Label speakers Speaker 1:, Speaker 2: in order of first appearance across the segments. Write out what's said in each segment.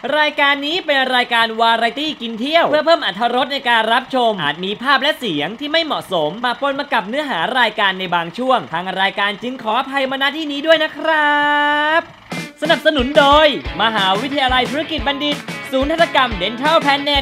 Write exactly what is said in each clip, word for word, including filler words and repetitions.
Speaker 1: รายการนี้เป็นรายการวาไรตี้กินเที่ยวเพื่อเพิ่มอรรถรสในการรับชมอาจมีภาพและเสียงที่ไม่เหมาะสมมาปนมากับเนื้อหารายการในบางช่วงทางรายการจึงขออภัยมาณที่นี้ด้วยนะครับสนับสนุนโดยมหาวิทยาลัยธุรกิจบัณฑิตศูนย์ทันตกรรม Dental Planet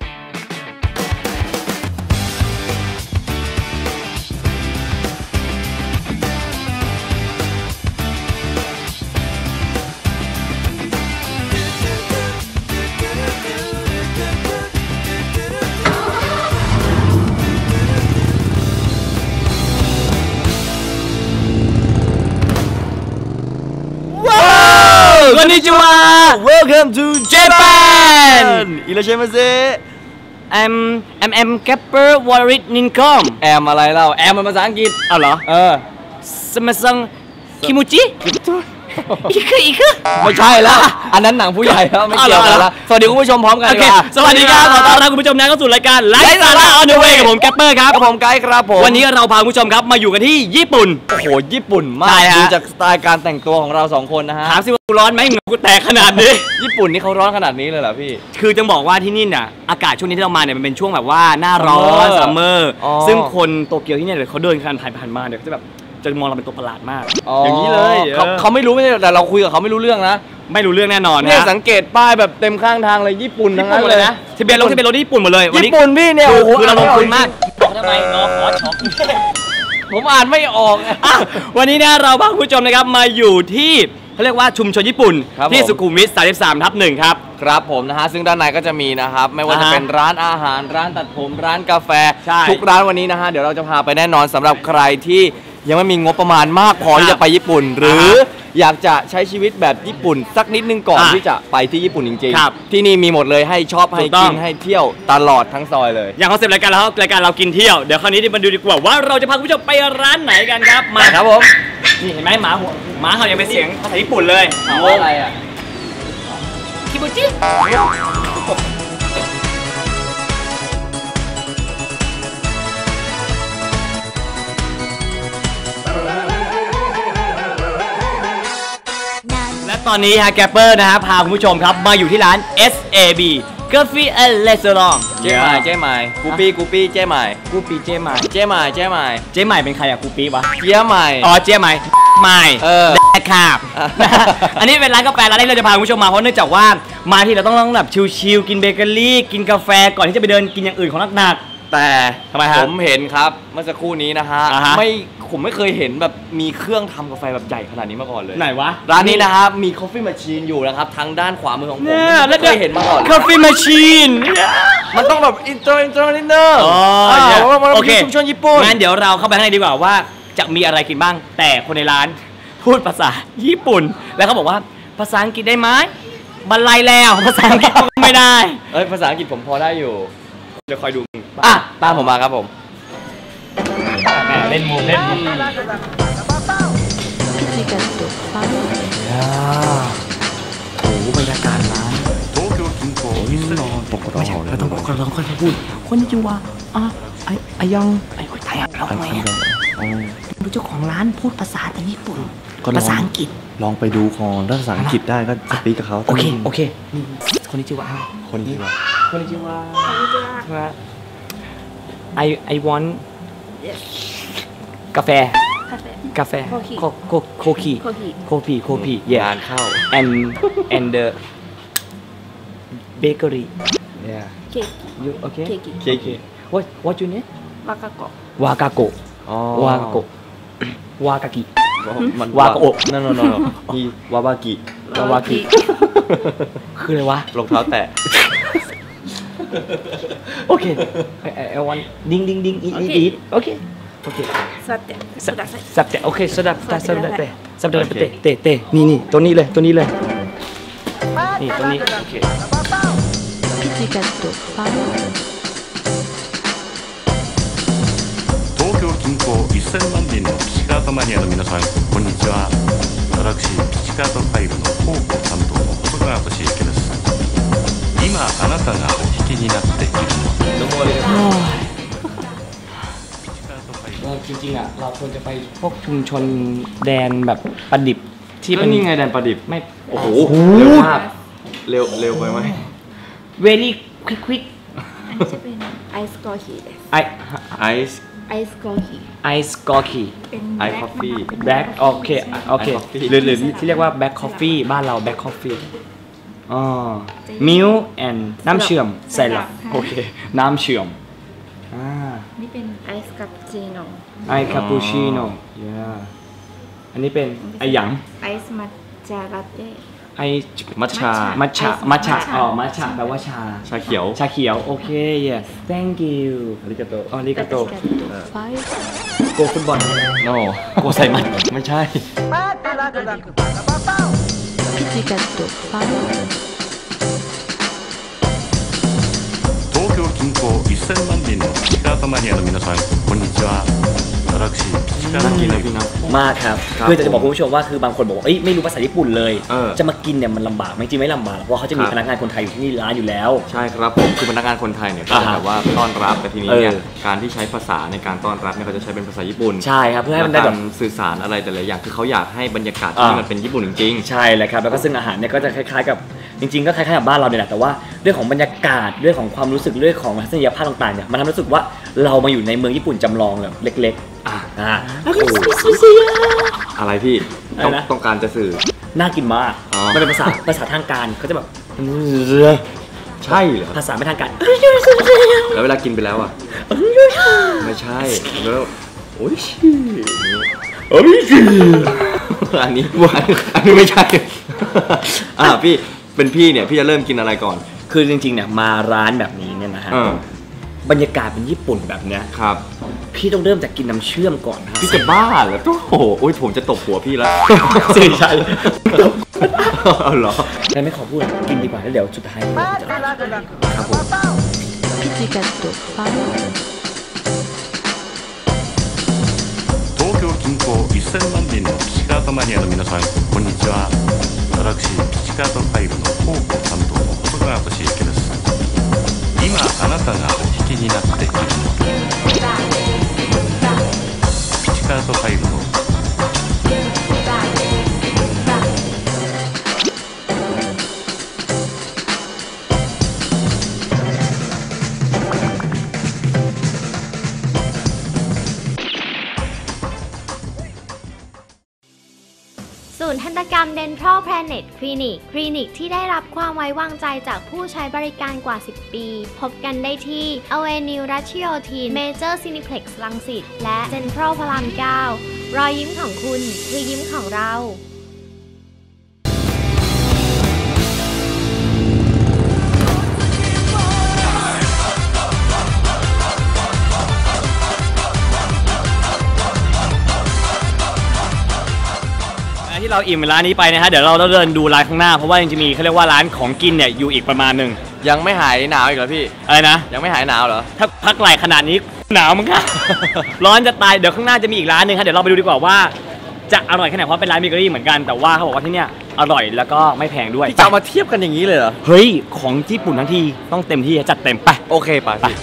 Speaker 1: こんにちは
Speaker 2: Welcome to Japan อิราเชมาเซ
Speaker 1: I'm I'm I'm Gapper Warrit Nincom
Speaker 2: แอมอะไรเล่าแอมมันภาษาอังกฤษ
Speaker 1: เอาเหรอเออสมัซังคิมูจิอีกคืออีกคือ
Speaker 2: ไม่ใช่แล้วอันนั้นหนังผู้ใหญ่แล้วไม่เกี่ยวกันแล้วสวัสดีคุณผู้ชมพร้อมกันเลย
Speaker 1: สวัสดีครับขอต้อนรับคุณผู้ชมนะเข้าสู่รายการไลฟ์สาระออนเดอะเวย์กับผมแกปเปอร์ครับ
Speaker 2: กับผมไกด์ครับผม
Speaker 1: วันนี้เราพาคุณผู้ชมครับมาอยู่กันที่ญี่ปุ่น
Speaker 2: โอ้โหญี่ปุ่นมากดูจากสไตล์การแต่งตัวของเราสองคนนะฮะ
Speaker 1: ถามสิว่าร้อนไหมเหงื่อกูแตกขนาดนี้
Speaker 2: ญี่ปุ่นนี่เขาร้อนขนาดนี้เลยเหรอพี่
Speaker 1: คือจะบอกว่าที่นี่น่ะอากาศช่วงนี้ที่เรามาเนี่ยมันเป็นช่วงแบบว่าหน้าร้อนซัมเมอร์ซึ่งคนโตเกียวที่เนี่ยเขาเดินผ่านผ่านผ่านมาเนี่ยเขาจะแบบจะมองเราเป็นตัวประหลาดมากอย่างนี้เลย
Speaker 2: เขาเขาไม่รู้ไม่ใช่แต่เราคุยกับเขาไม่รู้เรื่องนะ
Speaker 1: ไม่รู้เรื่องแน่นอนนะ
Speaker 2: เนี่ยสังเกตป้ายแบบเต็มข้างทางเลยญี่ปุ่นทั้งนั้นเลยนะ
Speaker 1: ที่เป็นรถที่เป็นรถญี่ปุ่นหมดเลย
Speaker 2: ญี่ปุ่นพี่เนี่ยโอ้โห
Speaker 1: คือเราลงทุนมากบอกทำไมน้องขอช็อป
Speaker 2: ผมอ่านไม่ออก
Speaker 1: วันนี้นะเราพาคุณผู้ชมนะครับมาอยู่ที่เขาเรียกว่าชุมชนญี่ปุ่นที่สุขุมวิท สามสิบสามทับหนึ่ง ครับ
Speaker 2: ครับผมนะฮะซึ่งด้านในก็จะมีนะครับไม่ว่าจะเป็นร้านอาหารร้านตัดผมร้านกาแฟทุกร้านวันนี้นะฮะเดี๋ยวเราจะพาไปแน่นอนสำหรับใครที่ยังไม่มีงบประมาณมากพอที่จะไปญี่ปุ่นหรืออยากจะใช้ชีวิตแบบญี่ปุ่นสักนิดนึงก่อนที่จะไปที่ญี่ปุ่นจริงๆที่นี่มีหมดเลยให้ชอบให้กินให้เที่ยวตลอดทั้งซอยเลย
Speaker 1: อย่างคอนเซ็ปต์รายการแล้วรายการเรากินเที่ยวเดี๋ยวคราวนี้มาดูดีกว่าว่าเราจะพาคุณผู้ชมไปร้านไหนกันครับ
Speaker 2: มาครับผม
Speaker 1: นี่เห็นไหมหมาหัวหมาเขายังเป็นเสียงภาษาญี่ปุ่นเลย
Speaker 2: เขาอะไรอ่ะ
Speaker 1: คิบุจิตอนนี้ฮะแกปเปอร์นะฮะพาคุณผู้ชมครับมาอยู่ที่ร้าน เอส เอ บี Coffee and Restaurant
Speaker 2: เจ๊ใหม่เจ๊ใหม่กูปี้กูปี้เจ๊ใหม่
Speaker 1: กูปี้เจ๊ใหม่
Speaker 2: เจ๊ใหม่เจ๊ใหม่
Speaker 1: เจ๊ใหม่เป็นใครอะกูปี้วะ
Speaker 2: เจ๊ใหม่
Speaker 1: อ๋อเจ๊ใหม่ใหม่เออแดกครับอันนี้เป็นร้านกาแฟร้านที่เราจะพาคุณผู้ชมมาเพราะเนื่องจากว่ามาที่เราต้องต้องแบบชิลๆกินเบเกอรี่กินกาแฟก่อนที่จะไปเดินกินอย่างอื่นของหนัก
Speaker 2: ๆแต่
Speaker 1: ทำไมฮะ
Speaker 2: ผมเห็นครับเมื่อสักครู่นี้นะฮะไม่ผมไม่เคยเห็นแบบมีเครื่องทำกาแฟแบบใหญ่ขนาดนี้มาก่อนเลย
Speaker 1: ไหนวะ
Speaker 2: ร้านนี้นะครับมี Coffee Machine อยู่นะครับทางด้านขวามือของผมไม่เคยเห็นมาก่อน
Speaker 1: Coffee Machine
Speaker 2: มันต้องแบบอินเตอร์อินเตอร์นิดนึง
Speaker 1: อ๋อโอเค
Speaker 2: ชุมชนญี่ปุ่น
Speaker 1: งั้นเดี๋ยวเราเข้าไปข้างในดีกว่าว่าจะมีอะไรกินบ้างแต่คนในร้านพูดภาษาญี่ปุ่นแล้วเขาบอกว่าภาษาอังกฤษได้ไหมบรรลัยแล้วภาษาอังกฤษไม่ได้
Speaker 2: เอ้ยภาษาอังกฤษผมพอได้อยู่
Speaker 1: เดี๋ยวคอยดู
Speaker 2: อ่ะตามผมมาครับผม
Speaker 1: เล่นมุมเล่นมุมโอ้โหบรรยากาศร้านไม่ใช่เราต้องบอกเราต้องค่อยพูดคนจิวะอ่ะไอไอยังไอคนไทยเราไงดูเจ้าของร้านพูดภาษาแต่ญี่ปุ่นภาษาอังกฤษ
Speaker 2: ลองไปดูคอนถ้าภาษาอังกฤษได้ก็สปีกกับเขา
Speaker 1: โอเคโอเคคนจิวะ
Speaker 2: คนจิวะ
Speaker 1: คนจิวะI I want กาแฟกาแฟโคโคโคคีโคพีโคพี
Speaker 2: งานเข้า
Speaker 1: and and the bakery
Speaker 2: yeah
Speaker 3: cake
Speaker 1: you okay
Speaker 3: cake
Speaker 2: cake
Speaker 1: what what you name
Speaker 3: วากาโกะ
Speaker 1: วากาโกะ
Speaker 2: อ๋อ
Speaker 1: วากาโกะวากากิ
Speaker 2: วากาโอะนั่นนั่นนั่นอีวาบากิ
Speaker 1: วาบากิคืออะไรวะ
Speaker 2: รองเท้าแตะ
Speaker 1: โอเคไอวันดิ้งดิ้งดิ้งอีอีอีโอเคโอเค
Speaker 3: สับเตะ
Speaker 1: สับเตะโอเคสับสับสับเตะสับเตะเตะเตะเตะนี่นี่ตัวนี้เลยตัวนี้เลยนี่ตัวนี้โอเค
Speaker 4: 東京近郊せんまん人のピチカートマニアの皆さんこんにちは私ピチカートファイルの広報担当の細川俊之です今あなたがお聞きになっているの
Speaker 1: เราจริงๆอ่ะเราควรจะไปพวกชุมชนแดนแบบประดิบที่เป็น
Speaker 2: นี่ไงแดนประดิบ
Speaker 1: ไม่
Speaker 2: โอ้โหเร็วมากเร็วเร็วไปไหม
Speaker 1: very quick quick
Speaker 3: อันนี้จะเป็นไอซ์กอฮีです
Speaker 1: ไอ
Speaker 2: ไอซ์
Speaker 3: ไอซ์กอฮี
Speaker 1: ไอซ์กอคี
Speaker 3: เป็น
Speaker 2: ไอซ์ coffee
Speaker 1: แบล็กโอเคโอเค
Speaker 2: Black coffee
Speaker 1: หรือหรือที่เรียกว่าแบล็กคอฟฟี่บ้านเราแบล็กคอฟฟี่อ๋อมิลค์แอนน้ำเชื่อมใส่หลับโอเคน้ำเชื่อมอ่า
Speaker 3: นี่เป็นไอซ์คาปูชิโน่
Speaker 1: ไอคาปูชิโน่ยาอันนี้เป็นไอหยัง
Speaker 3: ไอซ์มัทฉะลาเต้
Speaker 1: ไอ
Speaker 2: มัทฉะ
Speaker 1: มัทฉะ
Speaker 3: ไอซ์
Speaker 1: มัทฉะ
Speaker 3: มัทฉะ
Speaker 1: อ๋อมัทฉะแปลว่าชา
Speaker 2: ชาเขียว
Speaker 1: ชาเขียวโอเค yes thank you
Speaker 2: อาริกาโต
Speaker 1: อาริกาโต
Speaker 3: ไฟ
Speaker 1: โกฟุตบอล
Speaker 2: โน
Speaker 1: โกไซมันไม่ใช่
Speaker 3: พิจิกาโตไฟ
Speaker 4: 東京近郊せんまん人のピチカートマニアの皆さんこんにちは私ピチカート
Speaker 2: น่ากินเลย
Speaker 4: マニア
Speaker 2: พี่นะ
Speaker 1: มากครับ
Speaker 2: ครับ
Speaker 1: คือจะบอกคุณผู้ชมว่าคือบางคนบอกว่าเอ้ยไม่รู้ภาษาญี่ปุ่นเลย
Speaker 2: เออ
Speaker 1: จะมากินเนี่ยมันลำบากไหมจริงไม่ลำบากเพราะเขาจะมี
Speaker 2: ครับ
Speaker 1: พนักงานคนไทยอยู่ที่นี่ร้านอยู่แล้ว
Speaker 2: ใช่ครับผมคือพนักงานคนไทยเนี่ยก็จะ
Speaker 1: อ่าฮะ
Speaker 2: แบบว่าต้อนรับแต่ทีนี้เนี่ย
Speaker 1: เออ
Speaker 2: การที่ใช้ภาษาในการต้อนรับเนี่ยเขาจะใช้เป็นภาษาญี่ปุ่น
Speaker 1: ใช่ครับเพื่อให้
Speaker 2: และ
Speaker 1: มันได้
Speaker 2: กา
Speaker 1: แบ
Speaker 2: ร
Speaker 1: บ
Speaker 2: สื่อสารอะไรแต่ละอย่างคือเขาอยากให้บรรยากาศ
Speaker 1: อ่า
Speaker 2: ที่มันเป็นญี่ปุ่นจริง
Speaker 1: ใช่เลยครับแล้วก็ซึ่งอาหารเนี่ยก็จะคล้ายๆกับจริงๆ ก็คล้ายๆกับบ้านเราเนี่ยแหละแต่ว่าเรื่องของบรรยากาศเรื่องของความรู้สึกเรื่องของทัศนียภาพต่างๆเนี่ยมันทำให้รู้สึกว่าเรามาอยู่ในเมืองญี่ปุ่นจำลองแบบเล็กๆอ่าอ่า
Speaker 2: ๆ อะไรพี่ต้อง
Speaker 1: อะไรนะ
Speaker 2: ต้องการจะสื่อ
Speaker 1: น่ากินมาก
Speaker 2: อ๋อ
Speaker 1: มันเป็นภาษาภาษาทางการเขาจะแบบ
Speaker 2: ใช่เหรอ
Speaker 1: ภาษาไม่ทางการ
Speaker 2: แล้วเวลากินไปแล้วอ่ะไม่ใช่แล้วโอ้ยโอ้ยอันนี้อันนี้ไม่ใช่อ่าพี่เป็นพี่เนี่ยพี่จะเริ่มกินอะไรก่อน
Speaker 1: คือจริงๆเนี่ยมาร้านแบบนี้เนี่ยนะฮะ
Speaker 2: เออบ
Speaker 1: รรยากาศเป็นญี่ปุ่นแบบเนี้ย
Speaker 2: ครับ
Speaker 1: พี่ต้องเริ่มจากกินน้ำเชื่อมก่อนนะ
Speaker 2: พี่จะบ้าเหรอโอ้โหโอ้ยผมจะตบหัวพี่แล้ว
Speaker 1: สื่อใช่
Speaker 2: เอาเหรอ
Speaker 1: แต่ไม่ขอพูดกินดีกว่าแล้วเดี๋ยวสุดท้ายครับผม
Speaker 3: พิจิกาโตไฟ
Speaker 4: 東京近郊せんまん人のピチカートマニアの皆さんこんにちは私ピチカートファイルの広報担当の細川俊之です今あなたがお聞きになっているのはピチカートファイルの
Speaker 5: ศูนย์ทันตกรรม Dental Planet Clinic คลินิกที่ได้รับความไว้วางใจจากผู้ใช้บริการกว่า สิบ ปี พบกันได้ที่ Avenue Ratiotin Major Cineplex รังสิตและ Central พระราม เก้า รอยยิ้มของคุณคือยิ้มของเรา
Speaker 1: ที่เราอิ่มร้านนี้ไปนะฮะเดี๋ยวเราต้องเดินดูร้านข้างหน้าเพราะว่ายังจะมีเขาเรียกว่าร้านของกินเนี่ยอยู่อีกประมาณหนึ่ง
Speaker 2: ยังไม่หายหนาวอีกเหรอพี่
Speaker 1: อะไรนะ
Speaker 2: ยังไม่หายหนาวเหรอ
Speaker 1: ถ้าพักไหลขนาดนี้หนาวมั้งคะ ร้อนจะตายเดี๋ยวข้างหน้าจะมีอีกร้านหนึ่งครับเดี๋ยวเราไปดูดีกว่าว่าจะอร่อยแค่ไหนเพราะเป็นร้านเบเกอรี่เหมือนกันแต่ว่าเขาบอกว่าที่เนี่ยอร่อยแล้วก็ไม่แพงด้วย
Speaker 2: พี่จะเอามาเทียบกันอย่างนี้เลยเหรอ
Speaker 1: เฮ้ยของญี่ปุ่นทั้งทีต้องเต็มที่จัดเต็มไป
Speaker 2: โอเคป่ะพี่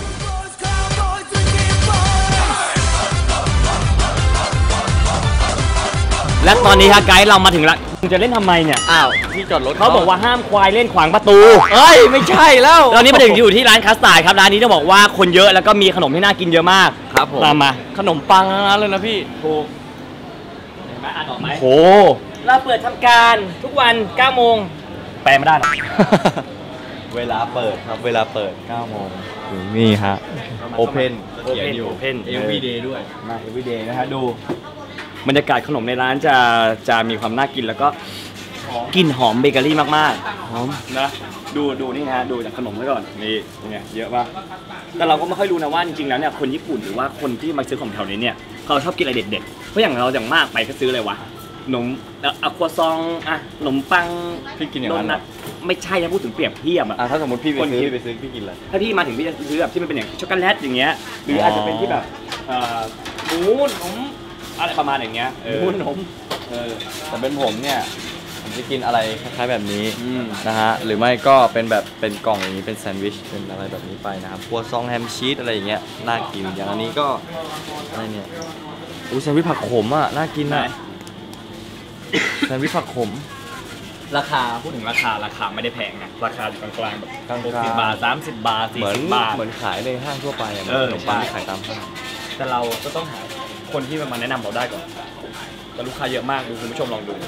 Speaker 1: และตอนนี้ฮะไกด์เรามาถึงละคุณจะเล่นทำไมเนี่ย
Speaker 2: อ้าวที่จอดรถ
Speaker 1: เขาบอกว่าห้ามควายเล่นขวางประตู
Speaker 2: เอ้ยไม่ใช่แล้ว
Speaker 1: ตอนนี้มาถึงอยู่ที่ร้านคัสตาร์ดครับร้านนี้ต้องบอกว่าคนเยอะแล้วก็มีขนมที่น่ากินเยอะมาก
Speaker 2: ครับผม
Speaker 1: ตามมา
Speaker 2: ขนมปังทั้งนั้นเลยนะพี่
Speaker 1: ถูกเห็นไหมอ่านออกไหม
Speaker 2: โห
Speaker 1: เราเปิดทำการทุกวันเก้าโมงแปลไม่ได้หรอก
Speaker 2: เวลาเปิดครับเวลาเปิดเก้าโมงนี่ฮะ Open เขียนอยู่
Speaker 1: Open
Speaker 2: Everyday ด้วย
Speaker 1: มา everyday นะฮะดูบรรยากาศขนมในร้านจะจะมีความน่ากินแล้วก็กลิ่นหอมเบเกอรี่มากๆหอมนะดูดูนี่ฮะดูจากขนมไว้ก่อนนี่เนี่ยเยอะป่ะแต่เราก็ไม่ค่อยรู้นะว่าจริงๆแล้วเนี่ยคนญี่ปุ่นหรือว่าคนที่มาซื้อของแถวนี้เนี่ยเขาชอบกินอะไรเด็ดๆเพราะอย่างเราอย่างมากไปก็ซื้ออะไรวะขนมอะควาซองอะขนมปัง
Speaker 2: พี่กินอย่างนั้นเหรอ
Speaker 1: โดไม่ใช่นะพูดถึงเปรียบเทียบอะ
Speaker 2: อ่ะถ้าสมมติพี่ไป
Speaker 1: คน
Speaker 2: ซื้อ
Speaker 1: คิด
Speaker 2: พี่ไปซื้อพี่กินอะไร
Speaker 1: ถ้าพี่มาถึงพี่จะซื้อแบบที่มันเป็นอย่างช็อกโกแลตอย่างเงี้ยหรืออาจจะเป็นที่แบบเอ่อหมูหนมอะไรประมาณอย่างเงี้ยเออ
Speaker 2: หมูหนม
Speaker 1: เออ
Speaker 2: แต่เป็นผมเนี่ยผมจะกินอะไรคล้ายๆแบบนี้
Speaker 1: อืม
Speaker 2: นะฮะหรือไม่ก็เป็นแบบเป็นกล่องอย่างนี้เป็นแซนด์วิชเป็นอะไรแบบนี้ไปนะครับครัวซองแฮมชีสอะไรอย่างเงี้ยน่ากินอย่างอันนี้ก็อะไรเนี่ยอู้แซนด์วิชผักขมอ่ะน่ากินอ่ะแซนด์วิชผักขม
Speaker 1: ราคาพูดถึงราคาราคาไม่ได้แพงนะราคาอยู่กลางๆแบบกลางหกสิบบาทสามสิบบาทสี่
Speaker 2: เหมือน
Speaker 1: สิบบาท
Speaker 2: เหมือนขายในห้างทั่วไปอะ
Speaker 1: เออ
Speaker 2: ขนมปังที่ขายตามห้าง
Speaker 1: แต่เราก็ต้องหาคนที่มาแนะนำเราได้ก่อนแต่ลูกค้าเยอะมากดูคุณผู้ชมลองดู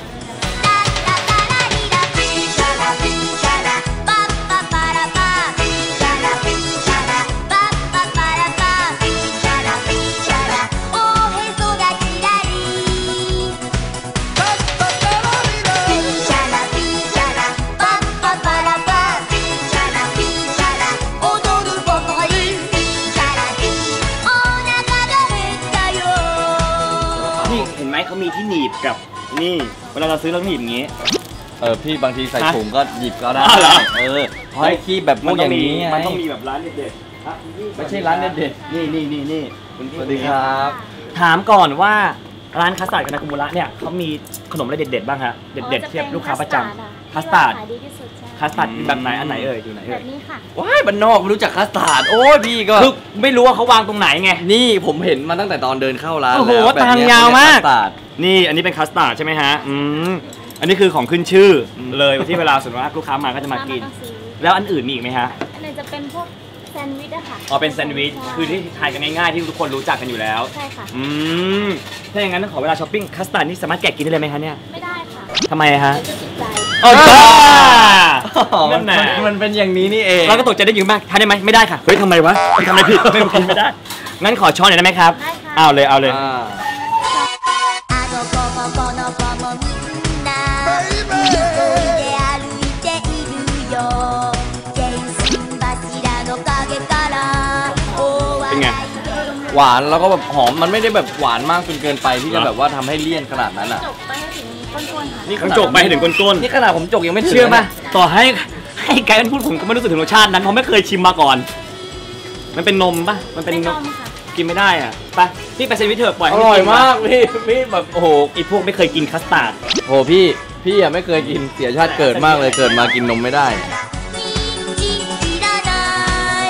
Speaker 1: เขามีที่หนีบกับนี่เวลาเราซื้อเราหนีบอย่างงี้
Speaker 2: เออพี่บางทีใส่ถุงก็หยิบก็ได้
Speaker 1: อ๋อเหรอ
Speaker 2: เออเพราะไอ้ขี้แบบพวกอย่างนี้ไง
Speaker 1: มันต้องมีแบบร้านเด็ดๆครับ
Speaker 2: ไม่ใช่ร้านเด็ด
Speaker 1: นี่นี่นี่นี่
Speaker 2: ๆสวัสดีครับ
Speaker 1: ถามก่อนว่าร้านคัสตาร์ดกับนากุมุระเนี่ยเขามีขนมอะไรเด็ดๆบ้างฮะเด็ดๆเทียบลูกค้าประจำคัสตาร์ด
Speaker 5: ขายดีที่สุดใช่
Speaker 1: คัสตาร์ดแบบไหนอันไหนเอ่ยอยู่ไหน
Speaker 5: แบ
Speaker 1: เอ่ย
Speaker 5: บนี้ค่ะ
Speaker 2: ว้ายบ้านนอกไม่รู้จักคัสตาร์ดโอ้ยพี่ก็
Speaker 1: คือไม่รู้ว่าเขาวางตรงไหนไง
Speaker 2: นี่ผมเห็นมาตั้งแต่ตอนเดินเข้าร้าน
Speaker 1: โอ้โห
Speaker 2: แล้วแบบเนี้
Speaker 1: ทางยาวมาก
Speaker 2: คัสตาร์ด
Speaker 1: นี่อันนี้เป็นคัสตาร์ดใช่ไหมฮะอืมอันนี้คือของขึ้นชื่อเลยที่เวลาส่วนมากลูกค้ามาก็จะมากิน
Speaker 5: มาซื้อ
Speaker 1: แล้วอันอื่นมีอีกไหมฮะ
Speaker 5: อันไหนจะเป็นพวกแซนด์วิชอะค่ะ
Speaker 1: อ๋อเป็นแซนด์วิชคือที่ทานกันง่ายๆที่ทุกคนรู้จักกันอยู่แล้ว
Speaker 5: ใช่ค่ะ
Speaker 1: อืมถ้าอย่างนั้นขอเวลาช้อปปิ้งคัสตาร์ดนี่สามารถแกะกินได้เลยไหมคะเนี่ย
Speaker 5: ไม่ได้ค่ะ
Speaker 1: ทำไมฮะ
Speaker 5: เดี๋ยวจะติดใจ
Speaker 1: อ๋อจ้า
Speaker 2: มั
Speaker 1: นั่
Speaker 2: น
Speaker 1: นแหละ
Speaker 2: มันเป็นอย่างนี้นี่เอง
Speaker 1: เราก็ตกใจได้ยินมากทานได้ไหมไม่ได้ค่ะเฮ้ยทำไมวะทำไมผิดไม่กินไม่ได้งั้นขอช้อนหน่อยได้ไหมครับ
Speaker 5: ได้ค่ะ
Speaker 1: เอาเลยเอาเลย
Speaker 2: อ่า
Speaker 6: あの子もこの子もみんな急いで歩いているよ電信柱の陰から大
Speaker 1: เป็นไง
Speaker 6: 笑いで
Speaker 2: หวานแล้วก็แบบหอมมันไม่ได้แบบหวานมากจนเกินไปที่จะแบบว่าทำให้เลี่ยนขนาดนั้นอ่ะ
Speaker 5: จบไปให้ถึงก้นๆค่ะ
Speaker 2: นี่
Speaker 1: ต้องจกไปให้ถึงก้น
Speaker 2: นี่ขนาดผมจกยังไม่
Speaker 1: ๆ
Speaker 2: ถึง
Speaker 1: เชื่อไหม
Speaker 2: ลยนะ
Speaker 1: ต่อให้ให้ไกด์มันพูดผมก็ไม่รู้สึกถึงรสชาตินั้นเพราะไม่เคยชิมมาก่อน มันเป็นนมปะมันเป็น
Speaker 5: เป็น
Speaker 1: น
Speaker 5: น
Speaker 1: ม
Speaker 5: มค่ะ
Speaker 1: กินไม่ได้อ่ะไปพี่ไปเซนวิชเถอะปล่อย
Speaker 2: อ
Speaker 1: ให้
Speaker 2: ร่อย
Speaker 1: น
Speaker 2: มากพี่พี่แบบโอ้โห
Speaker 1: ไอ้พวกไม่เคยกินคัสตาร์ด
Speaker 2: โอ้โหพี่พี่อ่ะไม่เคยกินเสียชาติเกิดมากเลยเกิดมากินนมไม่ได้
Speaker 6: 人参いらない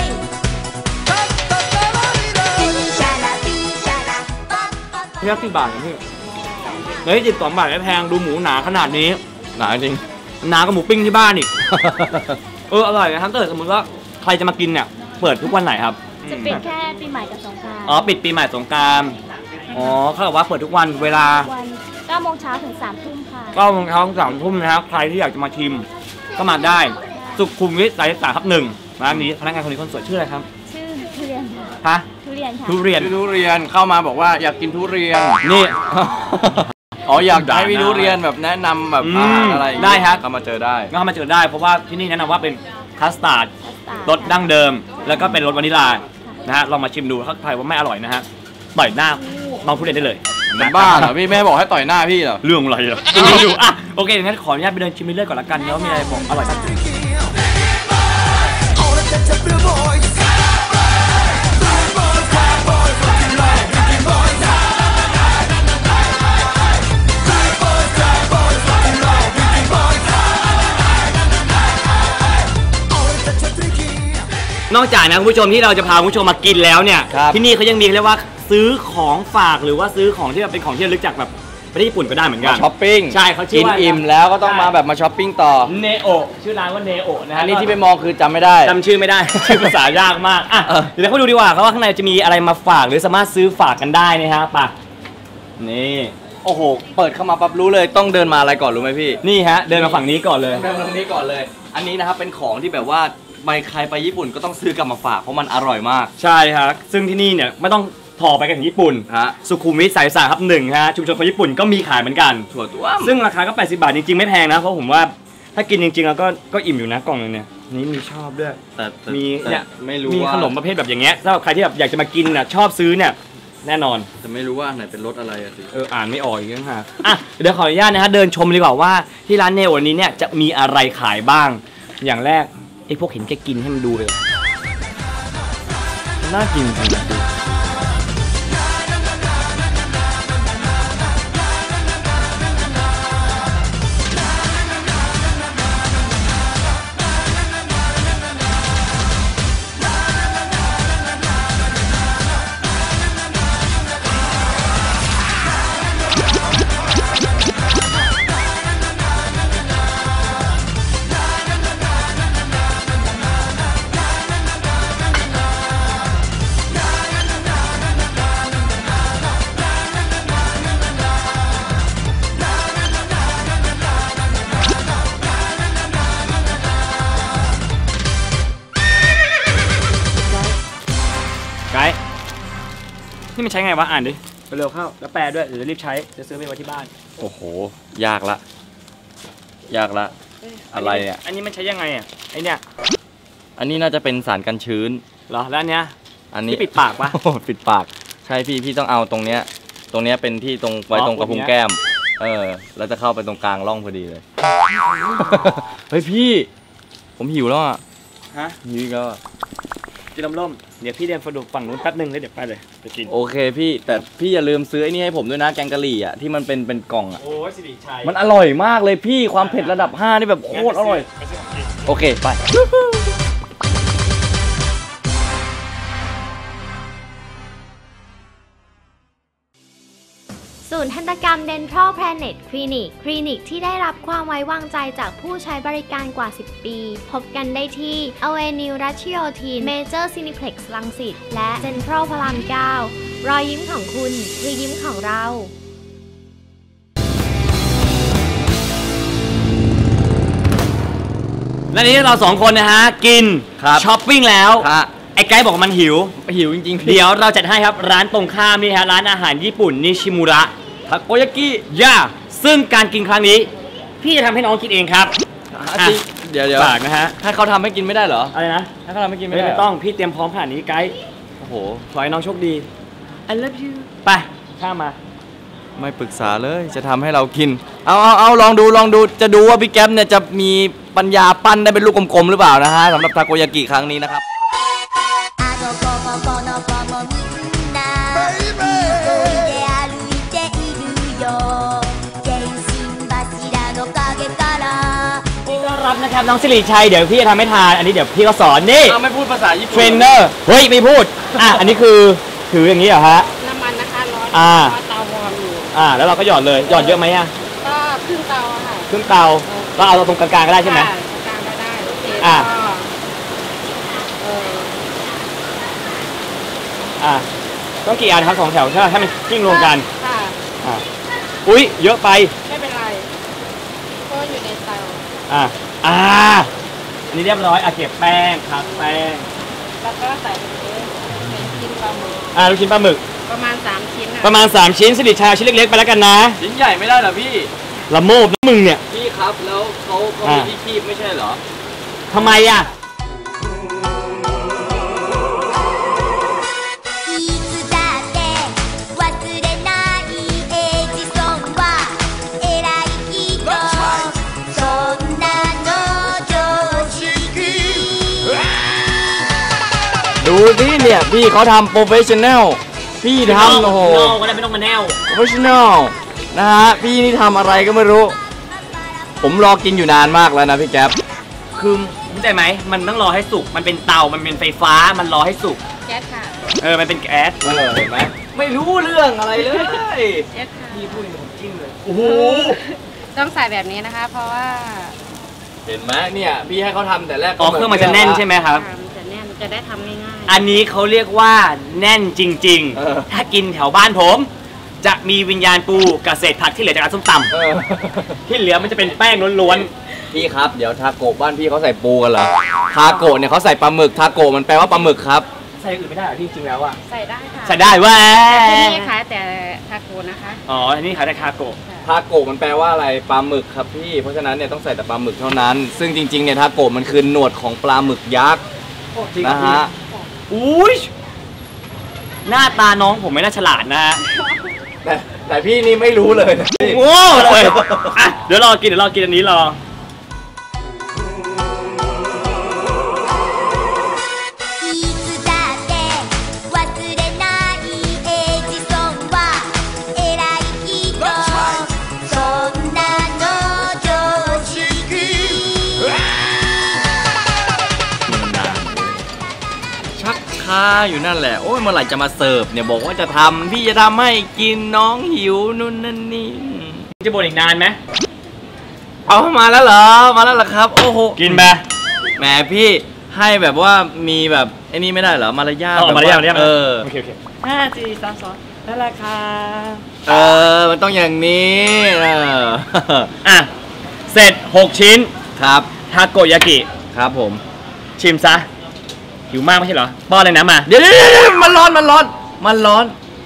Speaker 6: ピンシャラピンシャラパッパッパ
Speaker 1: พี่รักกี่บาทนะพี่เฮ้ยสิบสองบาทไม่แพงดูหมูหนาขนาดนี้
Speaker 2: หนาจริง
Speaker 1: หนากว่าหมูปิ้งที่บ้านอีก เอออร่อยนะครับถ้าเกิดสมมติว่าใครจะมากินเนี่ยเปิดทุกวันไหนครับ
Speaker 5: จะปิดแค่ปีใหม่กับสงกรานต์
Speaker 1: อ๋อปิดปีใหม่สงกรานต์อ๋อเขาบอกว่าเปิดทุกวันเวลา
Speaker 5: วันเก้าโมงเช้าถึงสามทุ่มค่ะ
Speaker 1: ก็โมงเช้าถึงสามทุ่มนะครับใครที่อยากจะมาชิมก็มาได้ สุขุมวิทสายสามทับหนึ่งร้านนี้พนักงานคนนี้คนสวยชื่ออะไรครับ
Speaker 5: ชื่อทุเรียนค่ะ
Speaker 1: ฮะ
Speaker 5: ทุเรียนค่ะ
Speaker 1: ทุเรียน
Speaker 2: พี่ทุเรียนเข้ามาบอกว่าอยากกินทุเรียน
Speaker 1: นี่
Speaker 2: อ๋ออยากให้พี่ทุเรียนแบบแนะนำแบบ
Speaker 1: อืม
Speaker 2: อาหารอะไรอย่างงี้
Speaker 1: ได้ครับ
Speaker 2: ก็มาเจอได้
Speaker 1: ก็เข้ามาเจอได้เพราะว่าที่นี่แนะนำว่าเป็นคัสตาร์ด
Speaker 5: คัสตาร์ด
Speaker 1: รสดั้งเดิม แล้วก็เป็นรสวานิลลานะฮะลองมาชิมดูถ้าใครว่าไม่อร่อยนะฮะต่อยหน้าน้องทุเรียนได้เลย
Speaker 2: มันบ้าเหรอพี่ไม่ให้บอกให้ต่อยหน้าพี่เหรอ
Speaker 1: เรื่องอะไรเหรอกินให้ดูอ่ะโอเคงั้นขออนุญาตไปเดินชิมไปเรื่อยก่อนละกันเนาะมีอะไรบอกอร่อยบ้างนอกจากนะคุณผู้ชมที่เราจะพาคุณผู้ชมมากินแล้วเนี่ย
Speaker 2: ครับ
Speaker 1: ที่นี่เขายังมีเรียกว่าซื้อของฝากหรือว่าซื้อของที่เป็นของที่ระลึกจากแบบประเทศญี่ปุ่นก็ได้เหมือนกั
Speaker 2: มาน ช้อปปิ้ง
Speaker 1: ใช่เขาชื่
Speaker 2: กิ
Speaker 1: อน ว่า
Speaker 2: อิ่มแล้วก็ต้องมาแบบมาช้อปปิ้งต่อ
Speaker 1: เนโอชื่อร้านว่าเนโอนะฮะ
Speaker 2: อันนี้ที่ไปมองคือจำไม่ได้
Speaker 1: จำชื่อไม่ได้ ชื่อภาษายากมากอ่ะ
Speaker 2: เออ
Speaker 1: เดี๋ยวเขาไปดูดีกว่าครับว่าข้างในจะมีอะไรมาฝากหรือสามารถซื้อฝากกันได้นะฮะป่ะนี่
Speaker 2: โอ้โห เปิดเข้ามาปั๊บรู้เลยต้องเดินมาอะไรก่อนรู้ไหมพี่
Speaker 1: นี่ฮะเดินมาฝั่งนี้ก่อนเลย
Speaker 2: เดินมาตรงนี้ก่อนเลย อันนี้นะครับเป็นของที่แบบว่าไปใครไปญี่ปุ่นก็ต้องซื้อกลับมาฝากเพราะมันอร่อยมาก
Speaker 1: ใช่ครับซึ่งที่นี่เนี่ยไม่ต้องถอไปกันถึงญี่ปุ่น
Speaker 2: ฮะ
Speaker 1: สุขุมวิทสายสามครับหนึ่งฮะชุมชนคนญี่ปุ่นก็มีขายเหมือนกัน
Speaker 2: ถั่วต้วม
Speaker 1: ซึ่งราคาก็แปดสิบบาทจริงๆไม่แพงนะเพราะผมว่าถ้ากินจริงๆแล้วก็ก็อิ่มอยู่นะกล่องนึงเนี่ยนี่มีชอบด้วย
Speaker 2: แต่แต่
Speaker 1: มี
Speaker 2: แต่
Speaker 1: เนี่ย
Speaker 2: ไม่รู้
Speaker 1: มี
Speaker 2: ว่า
Speaker 1: ขนมประเภทแบบอย่างเงี้ยสำหรับใครที่แบบอยากจะมากินน่ะชอบซื้อเนี่ยแน่นอน
Speaker 2: แต่ไม่รู้ว่าอันไหนเป็นรสอะไรอะสิ
Speaker 1: เอออ่านไม่ออกอีกแล้วฮะอ่ะเดี๋ยวขออนุญาตนะฮะเดินชมดีกว่าว่าที่ร้านเนโอนี้เนี่ยจะมีอะไรขายบ้าง อย่างแรกไอ้พวกเห็นแกกินให้มันดูเลยน่ากินจริงๆนี่มันใช้ไงวะอ่านดิเร็วเข้าแล้วแปลด้วยเดี๋ยวจะรีบใช้จะซื้อไปไว้ที่บ้าน
Speaker 2: โอ้โหยากละยากละอะไรเนี่ย
Speaker 1: อันนี้มันใช้ยังไงอ่ะไอเนี่ย
Speaker 2: อันนี้น่าจะเป็นสารกันชื้น
Speaker 1: เหรอแล้วอันเนี้ย
Speaker 2: อันนี้
Speaker 1: ปิดปากปะ
Speaker 2: ปิดปากใช่พี่พี่ต้องเอาตรงเนี้ยตรงเนี้ยเป็นที่ตรงไว้ตรงกระพุ้งแก้มเออแล้วจะเข้าไปตรงกลางร่องพอดีเลยเฮ้ยพี่ผมหิวแล้วอ่ะ
Speaker 1: ฮะ
Speaker 2: หิวอีกแล้ว
Speaker 1: กินลมล่มเดี๋ยวพี่เดินฝั่งฝั่งนู้นแป๊บนึงแล้วเดี๋ยวไปเลยไปกิน
Speaker 2: โอเคพี่แต่พี่อย่าลืมซื้อไอ้นี่ให้ผมด้วยนะแกงกะหรี่อ่ะที่มันเป็นเป็นกล่องอ่ะ
Speaker 1: โอ้ยสิริชัย
Speaker 2: มันอร่อยมากเลยพี่ความเผ็ดระดับห้านี่แบบโคตรอร่อยโอเคไป
Speaker 5: ศูนย์ทันตกรรม Dental Planet Clinic คลินิกที่ได้รับความไว้วางใจจากผู้ใช้บริการกว่า สิบ ปี พบกันได้ที่ Avenue Ratchiotin Major Cineplex รังสิตและ Central พระราม เก้า รอยยิ้มของคุณคือยิ้มของเรา
Speaker 1: และนี้เราสองคนนะฮะกินช้อปปิ้งแล้วไอ้ไกด์บอกมันหิว
Speaker 2: หิวจริงๆ
Speaker 1: เดี๋ยวเราจัดให้ครับร้านตรงข้ามนี่ฮะร้านอาหารญี่ปุ่นนิชิมุระ
Speaker 2: ทาโกยากิ
Speaker 1: ย่าซึ่งการกินครั้งนี้พี่จะทำให้น้องกินเองครับ
Speaker 2: เดี๋ยวเดี๋ยว
Speaker 1: ฝากนะฮะ
Speaker 2: ให้เขาทำให้กินไม่ได้เหรอ
Speaker 1: อะไรนะ
Speaker 2: ให้เขาทำให้กินไม่ได้
Speaker 1: ไม่ต้องพี่เตรียมพร้อมขนาดนี้ไกด์
Speaker 2: โอ้โห
Speaker 1: ขอให้น้องโชคดี I love you ไปข้ามมา
Speaker 2: ไม่ปรึกษาเลยจะทำให้เรากินเอาเอาเอาลองดูลองดูจะดูว่าพี่แก๊ปเนี่ยจะมีปัญญาปั้นได้เป็นลูกกลมๆหรือเปล่านะฮะสำหรับทาโกยากิครั้งนี้นะครับ
Speaker 1: รับนะครับน้องสิริชัยเดี๋ยวพี่จะทำให้ทานอันนี้เดี๋ยวพี่ก็สอนนี่
Speaker 2: ไม่พูดภาษาญี่ปุ่น
Speaker 1: เทรนเนอร์เฮ้ยไม่พูดอ่ะอันนี้คือถืออย่างนี้เหรอฮะ
Speaker 7: น้ำมันนะคะร้อน
Speaker 1: อ่า
Speaker 7: เตาวอร์มอยู่
Speaker 1: อ่าแล้วเราก็หยอดเลยหยอดเยอะไหมอ่ะ
Speaker 7: ก็ครึ่งเตาค่ะ
Speaker 1: ครึ่งเตาก็เอาตรงกลางๆก็ได้ใช่ไหม
Speaker 7: กลางก็ได้โอเค
Speaker 1: อ่า
Speaker 7: เออ
Speaker 1: อ่าต้องกี่อันครับสองแถวใช่ไหมให้มันกิ้งรวมกัน
Speaker 7: ค่ะ
Speaker 1: อ่าอุ้ยเยอะไป
Speaker 7: ไม่เป็นไรก็อยู่ในเตา
Speaker 1: อ่าอ่าอันนี้เรียบร้อยอ่ะเก็บแป้งครับแป้ง
Speaker 7: แล้วก็ใส่เป็นชิ้นปลาหมึก
Speaker 1: อ่าลูกชิ้นปลาหมึก
Speaker 7: ประมาณสามชิ้น
Speaker 1: ประมาณสามชิ้นสิริชัยชิ้นเล็กๆไปแล้วกันนะ
Speaker 2: ชิ้นใหญ่ไม่ได้เหรอพี่
Speaker 1: ละโมบนะมึงเนี่ย
Speaker 2: พี่ครับแล้วเขาเขามีที่คีบไม่ใช่เหรอ
Speaker 1: ทำไมอ่ะ
Speaker 2: ดูสิเนี่ยพี่เขาทำโปรเฟชชั่นแนลพี่ทำโอ้โห
Speaker 1: ก็ได้ไม่ต้องมาแนว
Speaker 2: โปรเฟชชั่นแนลนะฮะพี่นี่ทำอะไรก็ไม่รู้ผมรอกินอยู่นานมากแล้วนะพี่แก๊ป
Speaker 1: คือเข้าใจไหมมันต้องรอให้สุกมันเป็นเตามันเป็นไฟฟ้ามันรอให้สุก
Speaker 7: แก๊สค่ะ
Speaker 1: เออมันเป็นแก๊ส
Speaker 2: เออเห็นไหมไม่รู้เรื่องอะไรเลย
Speaker 7: แก๊สค่ะ
Speaker 1: พี่พูดผมจิ้มเลยโอ้โห
Speaker 7: ต้องใส่แบบนี้นะคะเพราะว่า
Speaker 2: เห็นไหมเนี่ยพี่ให้เขาทำแต่แรก
Speaker 1: อ๋อเครื่องมันจะแน่นใช่ไหมครับ
Speaker 7: จะแน่นจะได้ทำง่าย
Speaker 1: ๆอันนี้เขาเรียกว่าแน่นจริงๆถ้ากินแถวบ้านผมจะมีวิญญาณปูกับเศษผักที่เหลือจากร้านส้มตำที่เหลือมันจะเป็นแป้งล้วน
Speaker 2: ๆพี่ครับเดี๋ยวทาโกะบ้านพี่เขาใส่ปูกันเหรอทาโกะเนี่ยเขาใส่ปลาหมึกทาโกะมันแปลว่าปลาหมึกครับ
Speaker 1: ใส่อื่นไม่ได้หรอที่จริงแล้วอะ
Speaker 7: ใส่ได้ค่ะ
Speaker 1: ใส่ได้ว่า
Speaker 7: ที่นี่ขายแต่ทาโกะนะคะ
Speaker 1: อ๋อที่นี่ขายแต่ทาโกะ
Speaker 2: ทาโกะมันแปลว่าอะไรปลาหมึกครับพี่เพราะฉะนั้นเนี่ยต้องใส่แต่ปลาหมึกเท่านั้นซึ่งจริงๆเนี่ยทาโกะมันคือหนวดของปลาหมึกยักษ์นะฮะ
Speaker 1: อุ้ยหน้าตาน้องผมไม่น่าฉลาดนะฮะ
Speaker 2: แต่แต่พี่นี่ไม่รู้เลย
Speaker 1: โง่เลยอ่ะเดี๋ยวรอกินเดี๋ยวรอกินอันนี้รอ
Speaker 2: อยู่นั่นแหละโอ้ยเมื่อไหร่จะมาเสิร์ฟเนี่ยบอกว่าจะทำพี่จะทำให้กินน้องหิวนู่นนั่นนี่
Speaker 1: จะบ่นอีกนานไหม
Speaker 2: เอามาแล้วเหรอมาแล้วเหรอครับโอ้โห
Speaker 1: กินไป
Speaker 2: แหมพี่ให้แบบว่ามีแบบไอ้นี่ไม่ได้เหรอมารยาท
Speaker 1: มารยาทมารยาท
Speaker 2: เออ
Speaker 1: โอเคโอเคห้าสี่สามสองนั่นแหละค่ะ
Speaker 2: เออมันต้องอย่างนี้เออ
Speaker 1: อ่ะเสร็จหกชิ้น
Speaker 2: ครับ
Speaker 1: ทาโกยากิ
Speaker 2: ครับผม
Speaker 1: ชิมซะหิวมากไม่ใช่เหรอป้อนเลยนะมา
Speaker 2: เดี๋ยวมันร้อนมันร้อนมันร้อน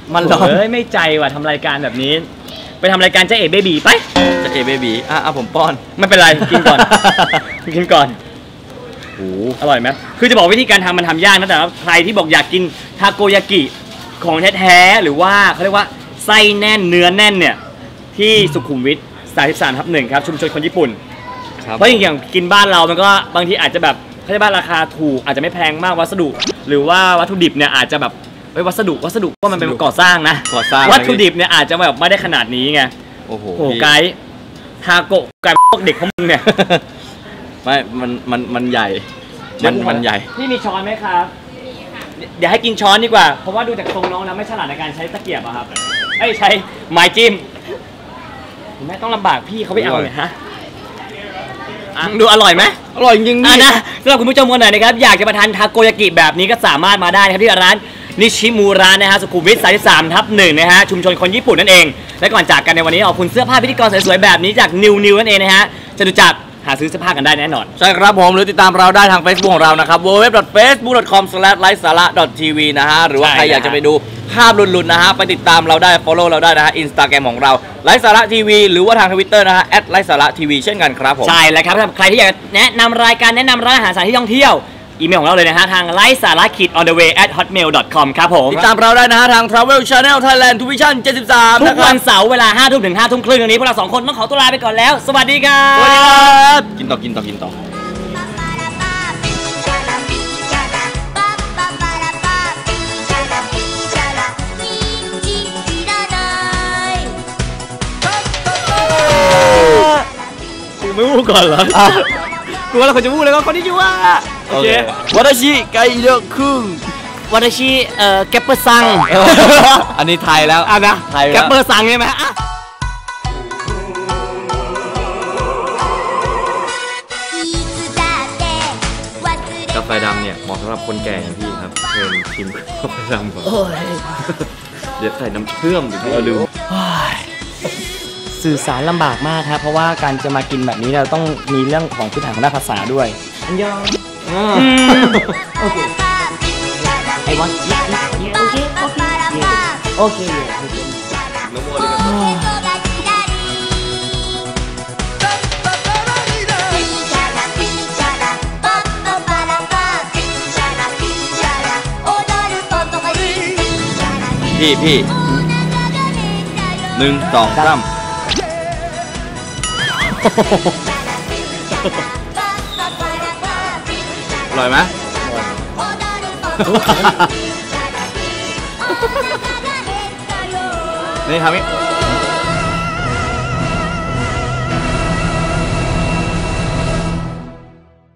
Speaker 2: มันร้อน
Speaker 1: เฮ้ยไม่ใจว่ะทำรายการแบบนี้ไปทำรายการเจ๊เอ๋เบบีไป
Speaker 2: จะเอเบบีอ่ะอ่ะผมป้อน
Speaker 1: ไม่เป็นไรกินก่อน กินก่อน
Speaker 2: โอ้
Speaker 1: อร่อยไหมคือจะบอกวิธีการทำมันทำยากนะแต่ว่าใครที่บอกอยากกินทาโกยากิของแท้ๆหรือว่าเขาเรียกว่าไส้แน่นเนื้อแน่นเนี่ยที่สุขุมวิทสามสิบสามทับหนึ่งครับชุมชนคนญี่ปุ่นเพราะอย่างกินบ้านเรามันก็บางทีอาจจะแบบเขาเรียกว่าราคาถูกอาจจะไม่แพงมากวัสดุหรือว่าวัตถุดิบเนี่ยอาจจะแบบเฮ้ยวัสดุวัสดุก็มันเป็นก่อสร้างนะ
Speaker 2: ก่อสร้าง
Speaker 1: วัตถุดิบเนี่ยอาจจะแบบไม่ได้ขนาดนี้ไง
Speaker 2: โอ้โห
Speaker 1: โอ้ไกด์ทาโกะไกด์พวกเด็กของมึงเนี่ย
Speaker 2: ไม่มันมันมันใหญ่มันมันใหญ่
Speaker 1: พี่มีช้อนไหมครับ เดี๋ยวให้กินช้อนดีกว่า เพราะว่าดูจากทรงน้องแล้วไม่ฉลาดในการใช้ตะเกียบอะครับไอ้ใช้ไม้จิ้มแม่ต้องลำบากพี่เขาไปเอาเลยฮะอ่ะดูอร่อยไหม
Speaker 2: อร่อยจริงๆ
Speaker 1: อ่ะ
Speaker 2: นี่
Speaker 1: นะสำหรับคุณผู้ชมคนไหนนะครับอยากจะมาทานทาโกยากิแบบนี้ก็สามารถมาได้นะครับที่ร้านนิชิมูระนะฮะสุขุมวิทสามสิบสามทับหนึ่งนะฮะชุมชนคนญี่ปุ่นนั่นเองและก่อนจากกันในวันนี้ขอบคุณเสื้อผ้าพิธีกรสวยๆแบบนี้จากนิวนิวนั่นเองนะฮะจะดูจากหาซื้อเสื้อผ้ากันได้แน่นอน
Speaker 2: ใช่ครับผมหรือติดตามเราได้ทาง Facebook ของเรานะครับ ดับเบิลยู ดับเบิลยู ดับเบิลยู ดอท เฟซบุ๊ก ดอท คอม สแลช ไลฟ์สาระ ดอท ที วี นะฮะหรือว่า
Speaker 1: ใช่
Speaker 2: ใครอยากจะไปดูภาพหลุดๆนะฮะไปติดตามเราได้ follow เราได้นะฮะ Instagram ของเราไลฟ์สาระทีวีหรือว่าทาง Twitter นะฮะแอทไลฟ์สาระทีวีเช่นกันครับผม
Speaker 1: ใช่แล้วครับสำหรับใครที่อยากแนะนำรายการแนะนำร้านอาหารสถานที่ท่องเที่ยวอีเมลของเราเลยนะฮะทางไลฟ์สาระขีด on the way at hotmail dot com ครับผม
Speaker 2: ติดตามเราได้นะฮะทาง Travel Channel Thailand Tuition เจ็ดสิบสาม
Speaker 1: ทุ
Speaker 2: นะ
Speaker 1: ก
Speaker 2: ครั
Speaker 1: วั
Speaker 2: บ
Speaker 1: นเสาร์เวลาห้าทุ่มถึงห้าทุ่มครึ่งตรงนี้พวกเราสองคนต้องขอตัวลาไปก่อนแล้วสวัสดีครั
Speaker 2: สวัสดีค
Speaker 1: บ
Speaker 2: รับกินต่อกินต่อกินต่อ
Speaker 1: กูไม่พูดก่อนเหรอกูว่าเราควรจะพูดเลยว่าคนที่ชื่อว่าโอเค
Speaker 2: วัตชิไกเดอคุง
Speaker 1: วัตชิเอ่อแกปเปอร์ซัง
Speaker 2: อันนี้ไทยแล้ว
Speaker 1: อ่ะนะ
Speaker 2: ไทยแล้ว
Speaker 1: แกปเปอร์ซังใช่ไหมอ่ะ
Speaker 2: กาแฟดำเนี่ยเหมาะสำหรับคนแก่อย่างพี่ครับเชิญชิมกาแฟดำก่อนเดี๋ยวใส่น้ำเชื่อมเดี๋ยวพี่เอาลืม
Speaker 1: สื่อสารลำบากมากครับเพราะว่าการจะมากินแบบนี้เราต้องมีเรื่องของพื้นฐานของด้านภาษาด้วยอันยองโอเคไอวันโอเคโอเคโอเคโอเค
Speaker 2: น้ำมันเลยกัน พี่พี่หนึ่งสองสามอร่อยไหมนี่ทำนี่